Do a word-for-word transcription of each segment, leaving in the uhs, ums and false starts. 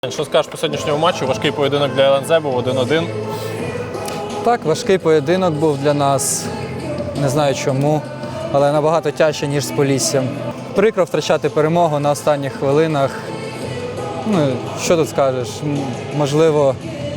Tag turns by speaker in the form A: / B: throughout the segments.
A: Що скажеш по сьогоднішньому матчу? Важкий поєдинок для ел ен зет був один-один.
B: Так, важкий поєдинок був для нас, не знаю чому, але набагато тяжче, ніж з Поліссям. Прикро втрачати перемогу на останніх хвилинах. Ну, що тут скажеш? М, Можливо,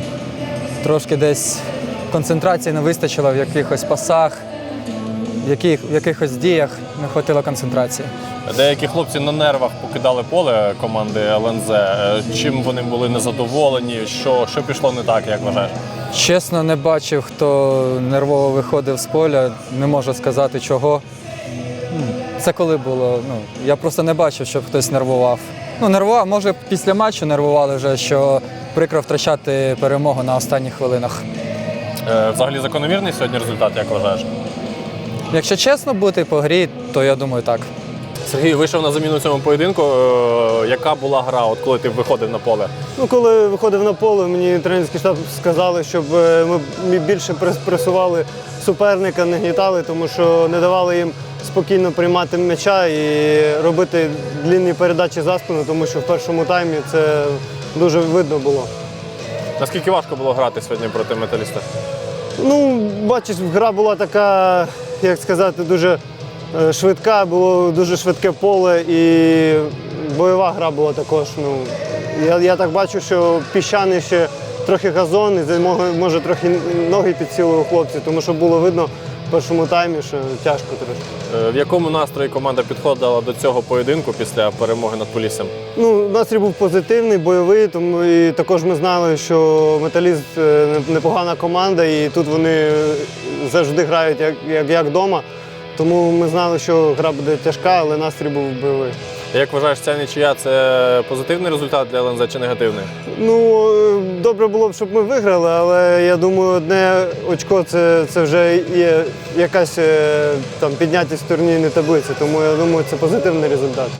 B: трошки десь концентрації не вистачило в якихось пасах, в, яких, в якихось діях не вистачило концентрації.
A: Деякі хлопці на нервах покидали поле команди ел ен зет. Чим вони були незадоволені? Що, що пішло не так, як вважаєш?
B: Чесно, не бачив, хто нервово виходив з поля, не можу сказати чого. Ну, Це коли було? Ну, я просто не бачив, щоб хтось нервував. Ну, нервував, може, після матчу нервували вже, що прикро втрачати перемогу на останніх хвилинах.
A: Е, Взагалі закономірний сьогодні результат, як вважаєш?
B: Якщо чесно бути по грі, то я думаю так.
A: Сергій вийшов на заміну в цьому поєдинку. Е, Яка була гра, от коли ти виходив на поле?
C: Ну, коли виходив на поле, мені тренерський штаб сказали, щоб ми більше пресували суперника, не гнітали, тому що не давали їм спокійно приймати м'яча і робити длінні передачі за спину, тому що в першому таймі це дуже видно було.
A: Наскільки важко було грати сьогодні проти Металіста?
C: Ну, бачиш, гра була така, як сказати, дуже е, швидка, було дуже швидке поле і бойова гра була також. Ну, я, я так бачу, що піщаний ще трохи газон, і може, може трохи ноги підсіли у хлопців, тому що було видно в першому таймі, що тяжко трошки.
A: Е, В якому настрої команда підходила до цього поєдинку після перемоги над Поліссям?
C: Ну, настрій був позитивний, бойовий, тому і також ми знали, що Металіст е, непогана команда, і тут вони завжди грають як, як, як вдома. Тому ми знали, що гра буде тяжка, але настрій був бойовий.
A: Як вважаєш, ця нічия – це позитивний результат для ел ен зет чи негативний?
C: Ну, е, добре було б, щоб ми виграли, але я думаю, одне очко це, це вже є якась е, там піднятість в турнірній таблиці, тому я думаю, це позитивний результат.